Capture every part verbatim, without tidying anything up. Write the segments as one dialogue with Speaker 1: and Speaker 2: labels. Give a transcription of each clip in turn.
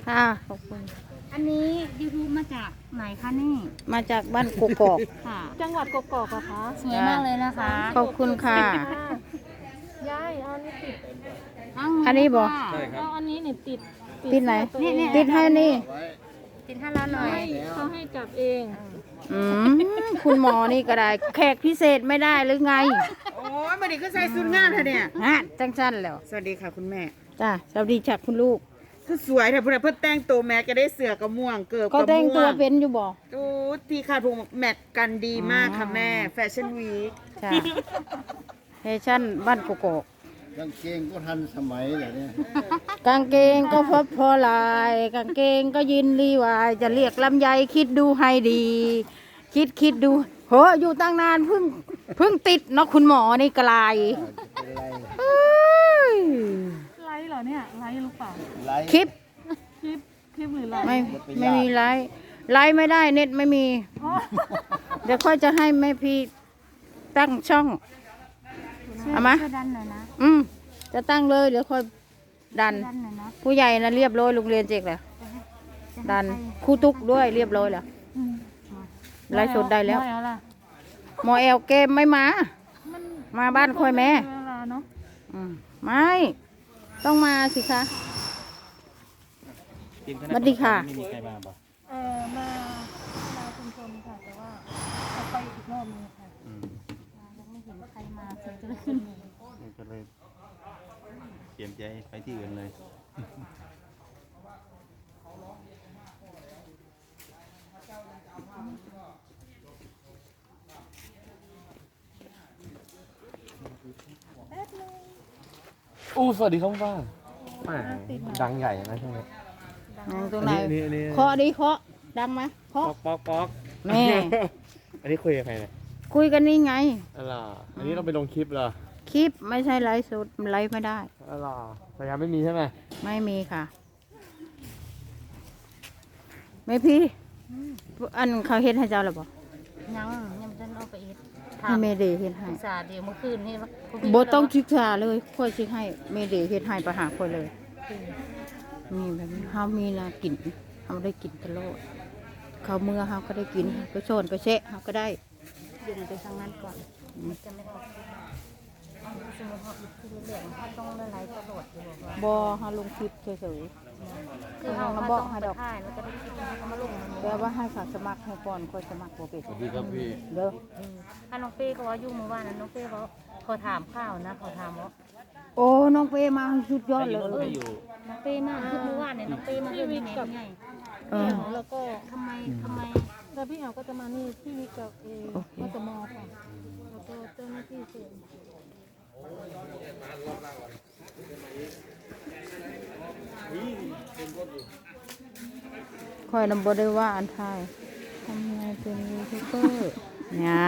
Speaker 1: ค่ะขอบคุณ
Speaker 2: อันนี้ยูทูบมาจากไหนคะนี่
Speaker 1: มาจากบ้านกกอก
Speaker 2: ค่ะ
Speaker 3: จังหวัดกกอกเหรอคะ
Speaker 2: สวยมากเลยนะคะ
Speaker 1: ขอบคุณค่ะ
Speaker 3: ยายเอาอันนี้ติด
Speaker 1: อันนี้บอก
Speaker 3: เอาอันนี้เนี่ยติด
Speaker 1: ติดไหนติดให้นี่
Speaker 2: ติดให้เราหน่อย
Speaker 3: เขาให้จับเอง
Speaker 1: อืมคุณหมอนี่ก็ได้แขกพิเศษไม่ได้หรือไง
Speaker 4: โอ้ยมาดิก็ใส่สุดงามเธอเนี่ย
Speaker 1: ฮะจังสั้นแล้ว
Speaker 4: สวัสดีค่ะคุณแม่
Speaker 1: จ้าสวัสดีจากคุณลูก
Speaker 4: คือสวยแต่เพื่อนเพื่อนแต่งตัวแม็กก็ได้เสือกระม่วงเกิบกระม่วง
Speaker 1: ก็แต่งตัวเป็นอยู่บ่
Speaker 4: โอ้ทีขาดพุงแมทกันดีมากค่ะแม่แฟชั่นวีค
Speaker 1: จ้าแฟชั่นบ้านกกอก
Speaker 5: กางเกงก็ทันสมัยเลยเนี่ย
Speaker 1: กางเกงก็พบพอลายกางเกงก็ยินรีวายจะเรียกลำไยคิดดูให้ดี คิดคิดดูโหอยู่ตั้งนานเพิ่งเพิ่งติดเนาะคุณหมอนี่กลาย
Speaker 3: ไลฟ์เหรอเนี่ยไลฟ์หรือเปล่า
Speaker 1: คลิป
Speaker 3: คลิปคลิปหรือไลฟ์
Speaker 1: ไม่ไม่มีไลฟ์ไลฟ์ไม่ได้เน็ตไม่มีเดี๋ยวค่อยจะให้แม่พี่ตั้งช่องเอามา
Speaker 2: ดันหน่อยนะ
Speaker 1: อืมจะตั้งเลยเดี๋ยวค่อยดันผู้ใหญ่นะเรียบร้อยโรงเรียนเจ๊กแล้วดันครูตุกด้วยเรียบร้อยแล้วไลฟ์สดได้แล้วหมอแอลเกมไม่มามาบ้านค่อยแม่ไม่ต้องมาสิคะสวัสดีค่ะ
Speaker 3: เออมามาชุมชนค่ะแต่ว่าจะไปอีกรอบนึงค่ะยังไม่เห็นใครมาเสียงจะเลยขึ้น
Speaker 6: ก็เลยเตรียมใจไปที่อื่นเลย
Speaker 7: อู้สวัสดีครับป้าป้าดังใหญ่นะช่วงนี้
Speaker 1: ตรงไหนเคาะดิเคาะดังไหมเคาะ
Speaker 7: ป๊อกป๊อก
Speaker 1: แม่
Speaker 7: อันนี้คุยกับใครเนี่ย
Speaker 1: คุยกันนี่ไง
Speaker 7: อะไรอันนี้เราไปลงคลิปเหรอ
Speaker 1: คลิปไม่ใช่ไลฟ์สดไลฟ์ไม่ได้
Speaker 7: อะไรพยายามไม่มีใช่ไหม
Speaker 1: ไม่มีค่ะไม่พี่อันเขาเห็นให้เจ้าหรือเปล่า
Speaker 2: ยังยังจะเอาไปอีก
Speaker 1: ให้เมเดเห็นให้
Speaker 2: ศึกษาเดี๋ยวเมื่อคืนนี่
Speaker 1: โบต้องศึกษาเลยค่อยชิให้เมเดเห็นให้ไปหาค่อยเลยนี่แบบนี้เขามีนากินเขาได้กินตลอดเขาเมื่อเขาก็ได้กินไปโซนไปเชะเขาก็ได้
Speaker 2: ยืนไปทางนั้นก่อนจะไม่ออกสมมติเขาคือเหลืองเขาต้องละลายตลอดอยู่ว่า
Speaker 1: บอเขาลงคลิปเฉย
Speaker 2: ๆคือเขาบอกให้ดอกถ่ายแล้วก็ได้คลิปเขามาลง
Speaker 1: แต่ว่าให้ฝากสมัครให้ก่อนค่อยสมัครโปรเฟส
Speaker 6: สวัสดีครับพี่
Speaker 1: เด้อ
Speaker 2: ถ้าน้องเป้ก็ว่ายุ่งเมื่อวานนั้นน้องเป้เขาเขาถามข้าวนะเขาถามว่า
Speaker 1: โอ้น้องเป้มาสุดยอดเลย
Speaker 2: น้องเป้มาคือเมื่อวานเนี่ยน้องเป้มาเรื่องนี้ไง
Speaker 3: แล้วก็
Speaker 2: ทำไมทำไม
Speaker 3: แล้วพี่แอลก็จะมานี่ที่วิกับเอมาตมค่ะแล้วก็เจ้าหน้าที่เสริม
Speaker 1: คอยนำบได้ว่าอันไทยทำไงเป็นยูทูบเบอร์เนี่ย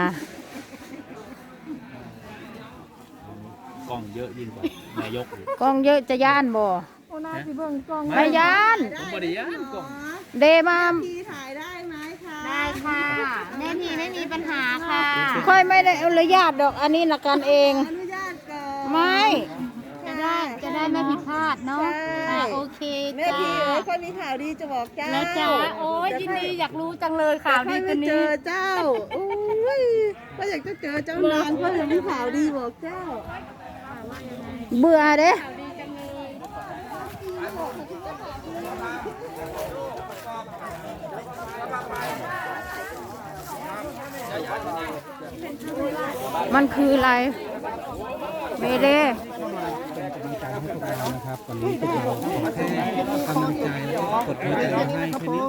Speaker 6: กล้องเยอะยิ่งกว่านายก
Speaker 1: กล้องเยอะจะย่านบ่
Speaker 3: โอ้น่าสิเบิ่งกล้อง
Speaker 1: ไม่ย่าน
Speaker 6: ผมบ่ได้ย่านกล้อง
Speaker 1: เดมา
Speaker 4: พี่ถ่ายได้ไหมคะ
Speaker 2: ได้ค่ะแม่พีไม่มีปัญหาค่ะ
Speaker 1: ค่อยไม่ได้อนุญาตดอกอันนี้นักการเอง
Speaker 4: อนุญาตก่อน
Speaker 1: ไม่
Speaker 2: จะได้จะได้ไม่ผิดพลาดเนาะโอเค
Speaker 4: แม่พี่เอ๋ยค่อยมีข่าวดีจะบอกเจ้า
Speaker 2: แล้วจ้าโอ้ยยินดีอยากรู้จังเลยข่าวดีคนนี้
Speaker 4: เจอเจ้าโอ้ยก็อยากจะเจอเจ้านานก็เลยมีข่าวดีบอกเจ้า
Speaker 1: เบื่อเด้มันคืออะไรเมเด้
Speaker 7: นะครับตอนนี้พวกเราขอแค่กำลังใจแล้วก็กดหัวใจให้แค่นี้ก็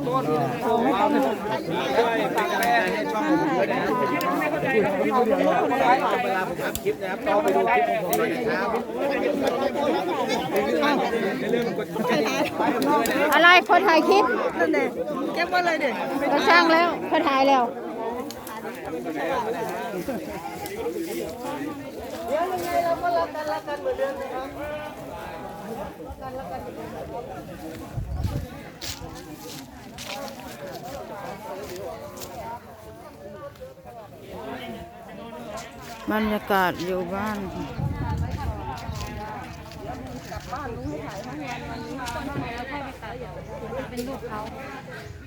Speaker 7: ฝากกำลังใจให้ช่องผมด้วยนะครับเวลาผมทำคลิปนะครับก็ไปดูคลิปของผมด้วยนะครับ
Speaker 1: อะไรคนถ่ายคลิป
Speaker 4: นั่นเด็กเก็บไว้เลยเด็ก
Speaker 1: ก็ช่างแล้วคนถ่ายแล้ว
Speaker 4: เดี๋ยวยังไงเราก็รักกันรักกันเหมือนเดิมนะครับ
Speaker 1: บรรยากาศอยู่บ้าน
Speaker 4: กลับบ้านลุงให้ถ่ายทั้งวันวันนี้
Speaker 2: เป็นลูกเขา